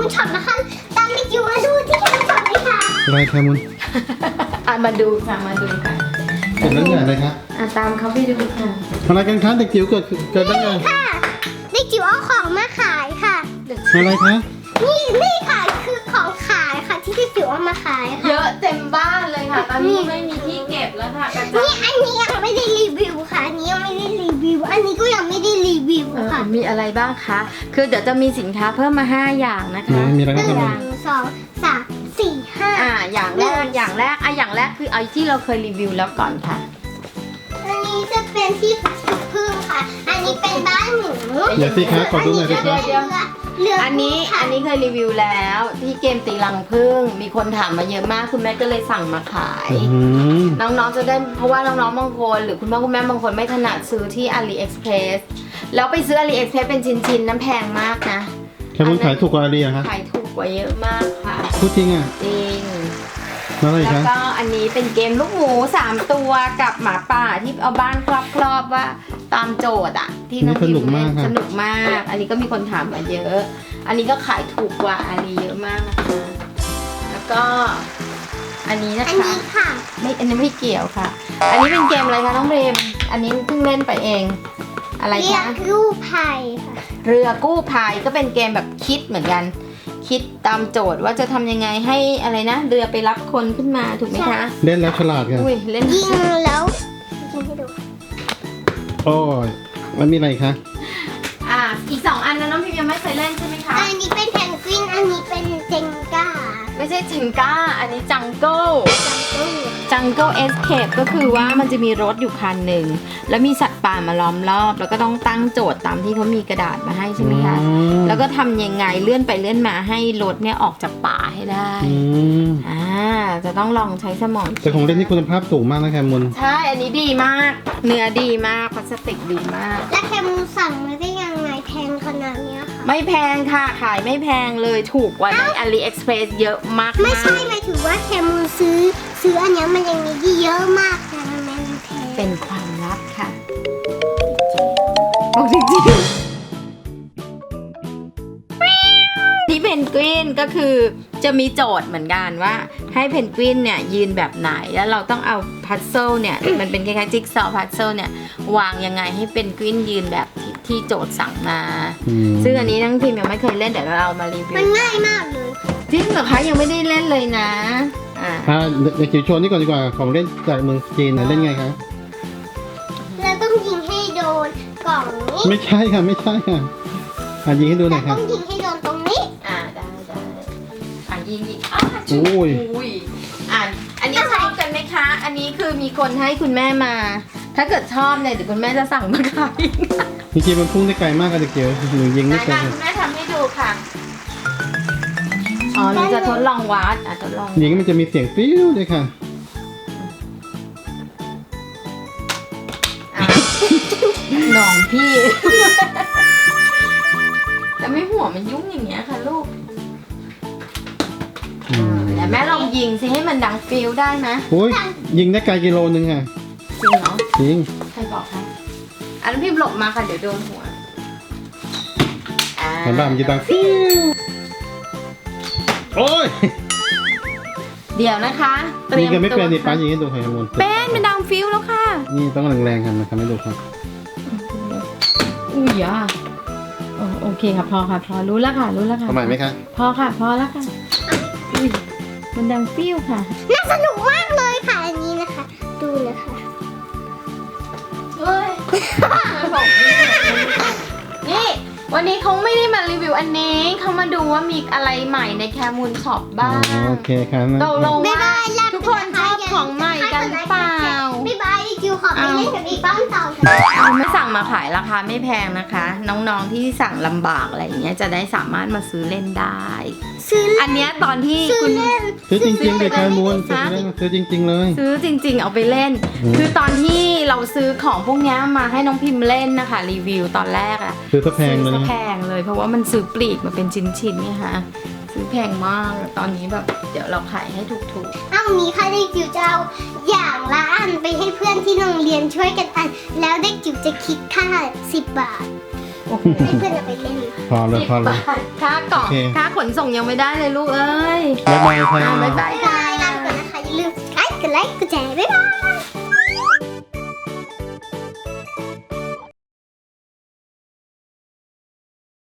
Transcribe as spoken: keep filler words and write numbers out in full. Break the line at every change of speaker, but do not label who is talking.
มูลช็อปนะคะตามไปจิ๋วมาดูที่แคมูลช็อปเลยค่ะ
อะไรแคมุน
อ่ะมาดูค่ะมาดูค่ะ
เกิดเรื่องใหญ่เลยครับ
อ่ะตามเขาไปดูค่ะ
อะไรกันคะเด็กจิ๋วเกิดเกิดเรื่องใหญ่
ค่ะเด็กจิ๋วเอาของมาขายค่ะ
อะไรคะ
นี่นี่ค่ะคือของขายค่ะที่เด็กจิ๋วเอามาขายค่ะ
เยอะเต็มบ้านเลยค่ะ ตอนนี้ไม่มีที่เก็บแล้วค่ะกระจา
นี่
ย
อันนี้ยังไม่ได้รีวิวค่ะอันนี้ยังไม่ได้รีวิว อันนี้ก็ยังไม่ได้รีวิว
เออ
ค่ะ
มีอะไรบ้างคะ คือเดี๋ยวจะมีสินค้าเพิ่มมาห้าอย่างนะ
ไหน
คะ
มีอะไร
ห
บ้างแค
นึ่
มุน
งสองสามสี่ห้า
อ่าอย่างแรกอย่างแรกอ่ะอย่างแรกคือเอาที่เราเคยรีวิวแล้วก่อนค่ะ
อันนี้จะเป็นที่พักพึ่งค่ะ อันนี้เป็นบ้านหนู
เดี๋ยวสิคะขอดูหน่อยสิคะ
เดี๋ยว
เรือ
อันนี้อันนี้เคยรีวิวแล้วที่เกมตีรังผึ้งมีคนถามมาเยอะมากคุณแม่ก็เลยสั่งมาขาย
อืม
น้องๆจะได้เพราะว่าน้องๆบางคนหรือคุณพ่อคุณแม่บางคนไม่ถนัดซื้อที่ AliExpress แล้วไปซื้อ AliExpress เป็นชิ้นๆน้ำแพงมากนะ
แคมุนขายถูกกว่าอารีอะคะ
ขายถูกกว่าเยอะมากค่ะ
พูดจริงอ่ะ
จริง
แล้วอะไร
แล้ว
คะ
ก็อันนี้เป็นเกมลูกหมูสามตัวกับหมาป่าที่เอาบ้านครอบๆว่าตามโจทย์อะที่น้องพิมเล่นสนุกมาก อันนี้ก็มีคนถามมาเยอะ อันนี้ก็ขายถูกกว่าอันนี้เยอะมากนะคะแล้วก็อันนี้นะ
อัน
คะ
นี้ค่ะ
ไม่อันนี้ไม่เกี่ยวค่ะ อันนี้เป็นเกมอะไรคะน้องเรมอันนี้เพิ่งเล่นไปเอง อะไร
เรีย
คะ
กกู้ภัยค่ะ
เรือกู้ภัยก็เป็นเกมแบบคิดเหมือนกัน คิดตามโจทย์ว่าจะทำยังไงให้อะไรนะเรือไปรับคนขึ้นมาถูกไหมคะ
เล่นแล้วฉลาดกัน
อุ้ยเล่น
ยิงแล้วยิงให้ดู
โอ้ยมันมีอะไรคะ
อ่ะอีกสองอันนะน้องพิมยังไม่เคยเล่นใช่ไหมคะ
อันนี้เป็นแพนกวิน อันนี้เป็นเจงก้า
ไม่ใช่จิงก้า อันนี้จังเกิล
จังกู้
จังเกิลเอสเคปก็คือว่ามันจะมีรถอยู่คันหนึ่งแล้วมีสัตว์ป่ามาล้อมรอบ แล้วก็ต้องตั้งโจทย์ตามที่เขามีกระดาษมาให้ใช่ไหมคะ
อืม
แล้วก็ทำยังไงเลื่อนไปเลื่อนมาให้รถเนี่ยออกจากป่าให้ได้
อืม
อ่าจะต้องลองใช้สมอง
แต่ของเล่นที่คุณภาพสูงมากนะแคมุน
ใช่ อันนี้ดีมาก เนื้อดีมาก พลาสติกดีมาก
แล้วแคมูสั่งมาได้ยังไงแพงขนาดเนี้ยค่ะ
ไม่แพงค่ะ ขายไม่แพงเลย ถูกกว่าใน AliExpress เยอะมากๆ
ไม่ใช่หมายถึงว่าแคมูซื้อ ซื้ออันเนี้ยมันยังมีที่เยอะมากแต่ทำไมมันแพง
เป็นความลับค่ะบอกจริงๆที่เพนกวินก็คือจะมีโจทย์เหมือนกันว่าให้เพนกวินเนี่ยยืนแบบไหนแล้วเราต้องเอาพัซเซิลเนี่ย มันเป็นคล้ายๆจิ๊กซอว์พัซเซิลเนี่ยวางยังไงให้เพนกวินยืนแบบที่ที่โจทย์สั่งมา
อืม
ซึ่งอันนี้ทั้งทีมยังไม่เคยเล่นเดี๋ยวเรามารีวิว
มันง่ายมากเลย
จริงเหรอคะยังไม่ได้เล่นเลยนะอ่า
อ่าเด็กจิ๋วโชว์นี่ก่อนดีกว่าของเล่นจากเมืองจีนนะเล่นไงคะ
เราต้องยิงให้โดนกล่องนี้
ไม่ใช่ค่ะไม่ใช่ค่ะอ่ะยิงให้ดูหน่
เรา
อยค่ะ
ต้องยิงให้โดนตรงนี้
อ่าได้ได้อ่ะยิงอีกอ่ะ
โอ้ย
อุ้ยอ่ะอันนี้ชอบกันไหมคะ อันนี้คือมีคนให้คุณแม่มา ถ้าเกิดชอบเนี่ยเดี๋ยวคุณแม่จะสั่งมาขาย
จริงๆมันพุ่งได้ไกลมากค่ะเด็กจิ๋วหนูยิง
ได้
ไม่ไกล
ค่ะคุณแม่ทำให้ดูค่ะอ๋อหนูจะทดลองวัดอ่ะทดลอง
ยิงมันจะมีเสียงปิ้วด้วยค่ะ
อ่ะหน่องพี่ แต่ไม่หัวมันยุ่งอย่างเงี้ยค่ะลูก
อืม
แต่แม่ลองยิงสิให้มันดังฟิลได้ไหม
โอ้ยยิงได้ไกลกิโลนึงค่ะ
จริงเหรอ
จริง
ใครบอกคะอันนั้นพิมพ์หลบมาค่ะเดี๋ยวโดนหัวอ่า
เห็นป่ะมันจะดังฟิวโอ้ย
เดี๋ยวนะคะเตรี
ยิ
ย
ง
ม
กันไม่เป็นนี่
ตัว
ป้ายิงให้ดูค่ะมน
เป็นเป็นดังฟิลแล้วค่ะ
นี่ต้องแรงๆกันนะครับให้ดูครับ
อุ้ยอ่ะโอโอเคค่ะพอค่ะพอรู้แล้วค่ะรู้แล้วค่ะ
ทำไมไหมคะ
พอค่ะพอแล้วค่ะอุ้ยมันดังฟิลค่ะ
น่าสนุกมากเลยค่ะอันนี้นะคะ ดูนะคะ
เฮ้ยนี่วันนี้เขาไม่ได้มารีวิวอันนี้เขามาดูว่ามีอะไรใหม่ในแคมูลช็อปบ้าง
โอเคครับ
ตกลง
บ๊าย
ว่า
บายลาไป
ทุกคนชอบของใหม่กันหรือเปล่า
บ๊ายบายจิวขอไปเล่นกับอีกบ้านต่อค่ะ
เอาไม่สั่งมาขายราคาไม่แพงนะคะ น้องๆที่สั่งลำบากอะไรอย่างเงี้ยจะได้สามารถมาซื้อเล่นได้
ซื้อเล่น
อันเนี้ยตอนที่
ซื้อ
คุณ
เล่น
ซื้อจริงๆเด็กชายมูล
ซื้
ซื้
อ
อ
ไปเล่น
ซื้อจริง ๆ เลย
ซื้อจริง ๆ เอาไปเล่น
อืม
คือตอนที่เราซื้อของพวกเนี้ยมาให้น้องพิมพ์เล่นนะคะรีวิวตอนแรกอะ
ซื้อซะแพงเลย
ซื้อ
นะ
แพงเลยเพราะว่ามันซื้อปลีกมาเป็นชิ้นๆเนี่ยค่ะซื้อแพงมากตอนนี้แบบเดี๋ยวเราขายให้ถูก
เอานี้ค่ะเด็กจิ๋วจะเอาอย่างละอันไปให้เพื่อนที่โรงเรียนช่วยกันอัน แล้วเด็กจิ๋วจะคิดค่าสิบบาท
โอ้โห
ให้เพื่อนเอาไปเล่น
พอเลยพอเลย
ค่ากล่อง
โอเค
ค่าขนส่งยังไม่ได้เลยลูกเอ้ย
บ๊ายบายค่ะ
บ๊ายบายค่ะ